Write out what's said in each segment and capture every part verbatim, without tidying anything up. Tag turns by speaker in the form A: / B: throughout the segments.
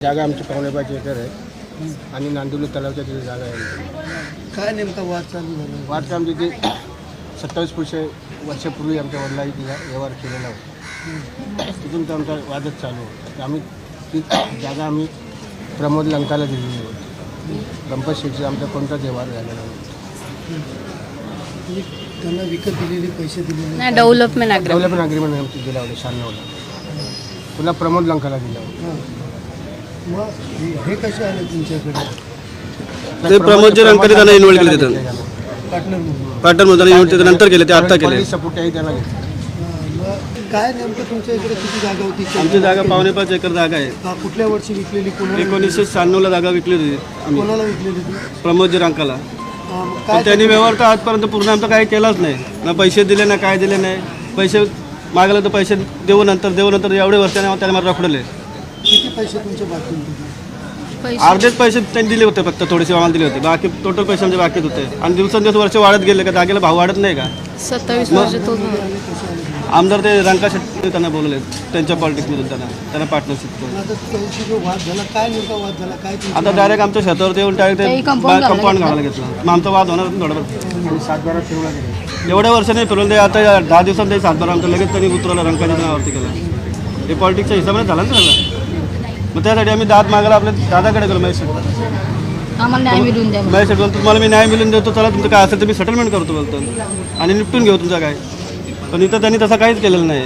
A: जागा आमची पावणे पाच एकर आहे आणि नांदिवली तलावच्या तिथे जागा आहे.
B: काय नेमका वाद चालू झाला?
A: वाद आमची ते सत्तावीस पुरुष वर्षापूर्वी आमच्या वडिलांनी तिला व्यवहार केलेला होता. तिथून तर आमचा वादच चालू होता. आम्ही ती जागा आम्ही प्रमोद लंकाला दिलेली होती. गणपत शेठचा आमचा कोणताच व्यवहार झालेला नव्हता.
B: म्हणजे त्यांना विकत दिलेले पैसे दिलेले
C: नाही, डेव्हलपमेंट अग्रीमेंट
A: डेव्हलपमेंट अग्रीमेंट आमची दिला होता शहाण्णवला. पुन्हा प्रमोद लंकाला दिला होता.
B: हां. मग हे- हे कसे आले तुमच्याकडे
D: ते प्रमोदजी रंकाने त्यांना इन्व्हॉल्व केले तिथं
B: पार्टनर म्हणून?
D: पार्टनर म्हणून त्यांना इन्व्हॉल्व नंतर केले ते आत्ता केले.
A: सपोर्टही त्याला घेतला.
B: हां, मग काय नेमकं तुमच्या इकडे किती जागा होती?
D: आमची जागा पावणे पाच एकर जागा आहे.
B: हां, कुठल्या वर्षी विकलेली? कोणाला
D: एकोणीसशे शहाण्णवला जागा विकली होती आम्ही
B: कोणाला विकलेली ती?
D: प्रमोदजी रंकाला.
B: हां, मग
D: पण
B: काय
D: त्यांनी व्यवहार तर आजपर्यंत पूर्ण आमचा काही केलाच नाही. ना पैसे दिले ना काय दिले नाही. पैसे मागले तर पैसे देऊ नंतर देऊ नंतर एवढे वर्षाने त्याने मला रखडले.
B: किती पैसे तुमचे बाकी होते?
C: पैसे
D: अर्धेच पैसे त्यांनी दिले होते, फक्त थोडेसे आम्हाला दिले होते. बाकी टोटल पैसे आमचे बाकीच होते. आणि दिवसेंदिवस वर्ष वाढत गेले का जागेला भाव वाढत नाही का?
C: सत्तावीस वर्ष तो
D: आमदार ते रंका शेट्टी त्यांना बोलले त्यांच्या पॉलिटिक्समधून त्यांना त्यांना पार्टनरशिप करून.
B: आता त्यांची जो वाद झाला, काय नेमका वाद झाला? काय तुमची
D: आता डायरेक्ट आमच्या शेतावर येऊन डायरेक्ट
C: ते
D: ते
C: compound
D: कंपाऊंड
C: घालायला
D: घालायला घेतलं. मग आमचा वाद होणार थोडा
A: आणि सातबारा फिरवला गेला.
D: एवढ्या वर्षाने फिरवलं ते. आता या दहा दिवसात ते सातबारा आमचं लगेच त्यांनी उतरवलं रंकाच्या नावावरती केलं. हे पॉलिटिक्सच्या हिशोबाने झालं ना सगळं. मग त्यासाठी आम्ही दाद मागायला आपल्या दादाकडे गेलो. महेश
C: आम्हाला न्याय मिळून द्या.
D: महेश शेट बोलतो तुम्हाला मी न्याय मिळून देतो, चला तुमचं काय असेल तर मी सेटलमेंट करतो बोलतो आणि निपटून घेऊ तुमचं काय. पण इथं त्यांनी तसं काहीच केलेलं नाही.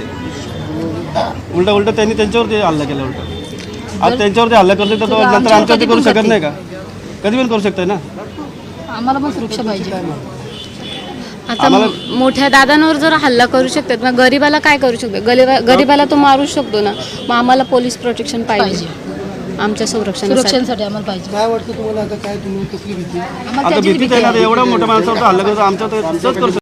D: उलटा उलटा त्यांनी त्यांच्यावरती हल्ला केला. उलटा आज त्यांच्यावरती हल्ला करते तर तो नंतर आमच्यावरती करू शकत नाही का? कधी पण करू शकताय ना.
C: आम्हाला पण सुरक्षा पाहिजे. आता मोठ्या दादांवर जर हल्ला करू शकतात मग गरीबाला काय करू शकतो? गरीबा गरीबाला तो मारू शकतो ना. मग आम्हाला पोलीस प्रोटेक्शन पाहिजे. आमच्या संरक्षणासाठी आम्हाला पाहिजे.
B: काय वाटतं तुम्हाला? आता काय तुम्ही कसली भीती?
C: आम्हाला
D: आता
C: त्याचीच
D: भीतीच
C: भीती
D: आहे ना.
C: आहे.
D: एवढ्या मोठ्या माणसावरती हल्ला करतो आमच्या तर करू शकतो.